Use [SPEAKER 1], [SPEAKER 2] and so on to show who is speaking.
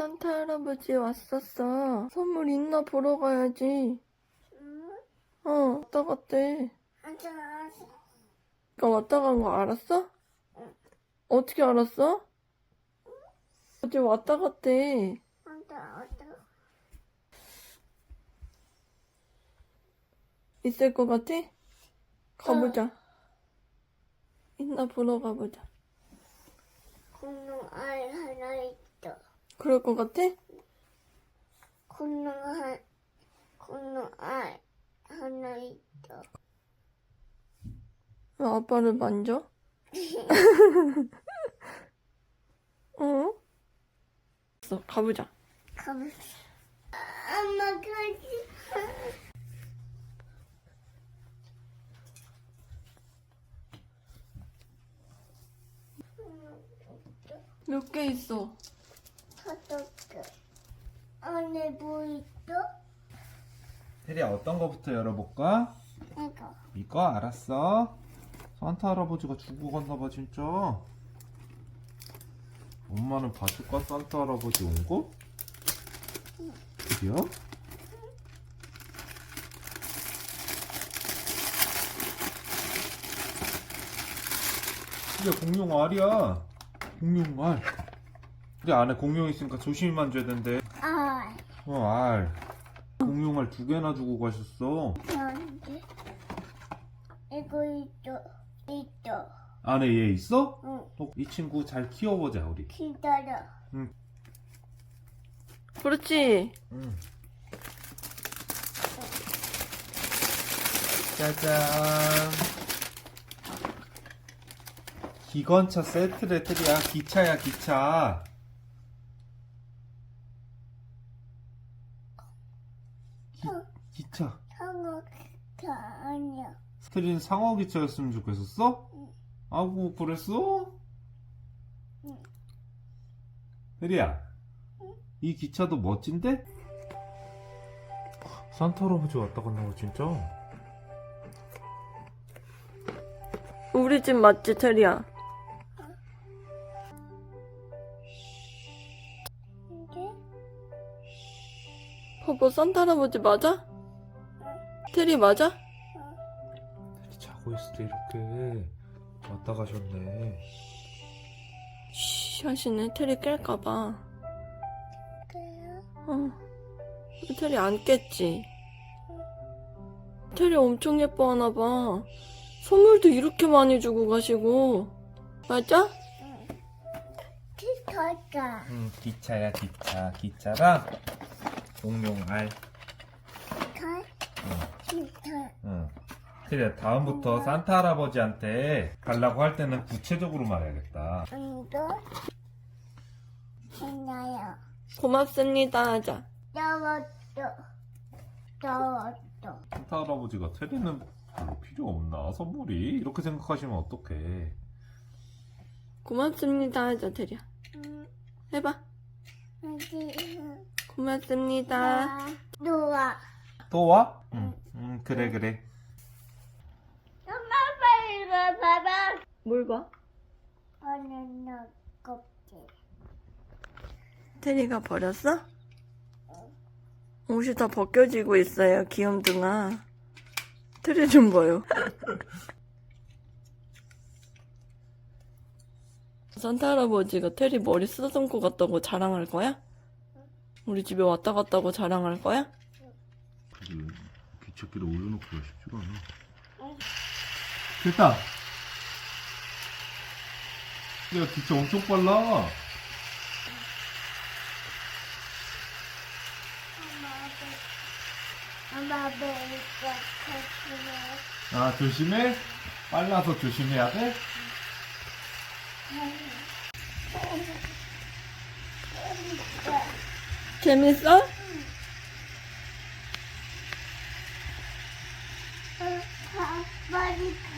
[SPEAKER 1] 산타 할아버지 왔었어. 선물 있나 보러 가야지. 왔다 갔대. 그니까 왔다 간 거 알았어? 어떻게 알았어? 어제 왔다 갔대. 있을 것 같아? 가보자. 있나 보러 가보자.
[SPEAKER 2] 공룡 알 하나 있어.
[SPEAKER 1] 그럴 것 같아?
[SPEAKER 2] 공룡 알 하나 있어.
[SPEAKER 1] 왜 아빠를 만져? 가보자.
[SPEAKER 2] 엄마 가지.
[SPEAKER 1] 몇 개 있어?
[SPEAKER 2] 5개. 안에 뭐 있어?
[SPEAKER 3] 테리야, 어떤 거부터 열어볼까?
[SPEAKER 2] 이거.
[SPEAKER 3] 이거 알았어. 산타 할아버지가 주고 갔나봐 진짜. 엄마는 봐줄까? 산타 할아버지 온 거? 테리야? 이게 공룡 알이야. 공룡 알. 근데 안에 공룡 있으니까 조심히 만져야 된대.
[SPEAKER 2] 알.
[SPEAKER 3] 알. 공룡 알 2개나 주고 가셨어.
[SPEAKER 2] 안돼. 이거 있어.
[SPEAKER 3] 안에 얘 있어?
[SPEAKER 2] 응.
[SPEAKER 3] 이 친구 잘 키워보자 우리.
[SPEAKER 2] 기다려.
[SPEAKER 1] 그렇지.
[SPEAKER 3] 응. 짜잔. 기관차 세트래. 테리야, 기차야 기차. 기차.
[SPEAKER 2] 상어가 아니야.
[SPEAKER 3] 테리는 상어 기차였으면 좋겠었어?
[SPEAKER 2] 응.
[SPEAKER 3] 아구 그랬어?
[SPEAKER 2] 응.
[SPEAKER 3] 테리야, 이 기차도 멋진데? 산타 할아버지 왔다 갔나 봐 진짜.
[SPEAKER 1] 우리 집 맞지, 테리야?
[SPEAKER 2] 이게?
[SPEAKER 1] 봐봐, 산타 할아버지 맞아? 테리 맞아?
[SPEAKER 3] 테리 자고 있을 때 이렇게 왔다 가셨네.
[SPEAKER 1] 쉬 하시네. 테리 깰까봐.
[SPEAKER 2] 그래요?
[SPEAKER 1] 테리 안 깼지? 테리 엄청 예뻐하나봐. 선물도 이렇게 많이 주고 가시고. 맞아?
[SPEAKER 2] 기차가.
[SPEAKER 3] 응, 기차야 기차. 기차랑 공룡 알.
[SPEAKER 2] 기차.
[SPEAKER 3] 응. 테리야, 다음부터 산타 할아버지한테 달라고 할 때는 구체적으로 말해야겠다.
[SPEAKER 2] 이거? 괜찮아요.
[SPEAKER 1] 고맙습니다 하자.
[SPEAKER 2] 더웠어.
[SPEAKER 3] 산타 할아버지가 테리는 별로 필요 없나? 선물이? 이렇게 생각하시면 어떡해.
[SPEAKER 1] 고맙습니다 하자, 테리야. 해봐. 고맙습니다.
[SPEAKER 2] 누워.
[SPEAKER 3] 또 와? 응, 그래.
[SPEAKER 2] 엄마 빨리 이거 봐봐.
[SPEAKER 1] 뭘 봐?
[SPEAKER 2] 바나나 껍질.
[SPEAKER 1] 테리가 버렸어? 옷이 다 벗겨지고 있어요, 귀염둥아. 테리 좀 봐요. 산타 할아버지가 테리 머리 쓰다듬고 갔다고 자랑할 거야? 우리 집에 왔다 갔다고 자랑할 거야?
[SPEAKER 3] 기찻길에 올려놓고 싶지가 않아. 됐다. 야, 기차 엄청 빨라.
[SPEAKER 2] 엄마 배가 커지네.
[SPEAKER 3] 아, 조심해. 빨라서 조심해야 돼.
[SPEAKER 1] 재밌어?
[SPEAKER 2] 머리